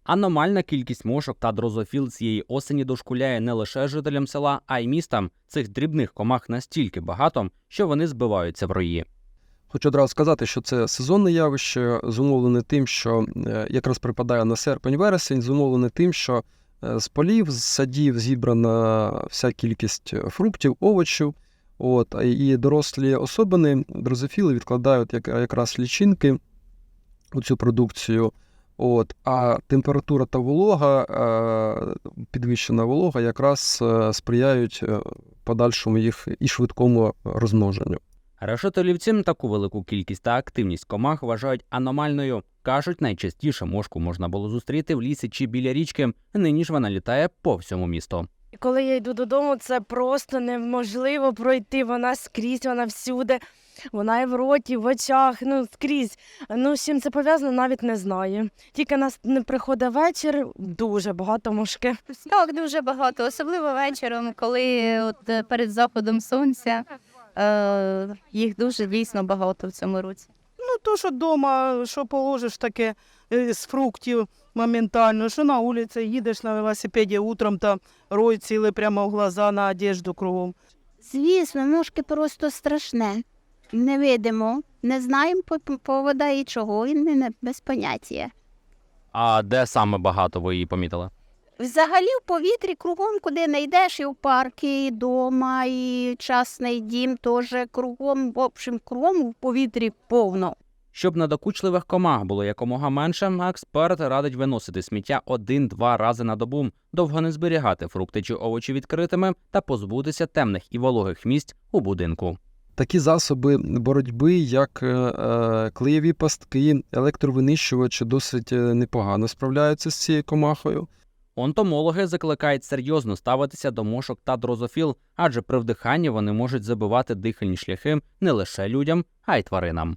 Аномальна кількість мошок та дрозофіл цієї осені дошкуляє не лише жителям села, а й містам. Цих дрібних комах настільки багато, що вони збиваються в рої. Хочу одразу сказати, що це сезонне явище, зумовлене тим, що якраз припадає на серпень-вересень, зумовлене тим, що з полів, з садів зібрана вся кількість фруктів, овочів, і дорослі особини, дрозофіли, відкладають якраз лічинки у цю продукцію, а температура та волога, підвищена волога, якраз сприяють подальшому їх і швидкому розмноженню. Решетилівці таку велику кількість та активність комах вважають аномальною. Кажуть, найчастіше мошку можна було зустріти в лісі чи біля річки, нині ж вона літає по всьому місту. Коли я йду додому, це просто неможливо пройти, вона скрізь, вона всюди, вона і в роті, в очах, скрізь. З чим це пов'язано, навіть не знаю. Тільки нас не приходить вечір, дуже багато мошки. Так, дуже багато, особливо вечором, коли перед заходом сонця їх дуже дійсно багато в цьому році. То, що вдома, що положиш таке з фруктів моментально, що на вулиці, їдеш на велосипеді утром, та рой цілий прямо в глаза, на одежду кругом. Звісно, мошки просто страшне. Не видимо, не знаємо повода і чого, і без поняття. А де саме багато ви її помітили? Взагалі в повітрі кругом, куди не йдеш, і в парки, і вдома, і частний дім теж кругом, в общем, кругом в повітрі повно. Щоб надокучливих комах було якомога менше, експерт радить виносити сміття 1-2 рази на добу, довго не зберігати фрукти чи овочі відкритими та позбутися темних і вологих місць у будинку. Такі засоби боротьби, як клеєві пастки, електровинищувачі, досить непогано справляються з цією комахою. Онтомологи закликають серйозно ставитися до мошок та дрозофіл, адже при вдиханні вони можуть забивати дихальні шляхи не лише людям, а й тваринам.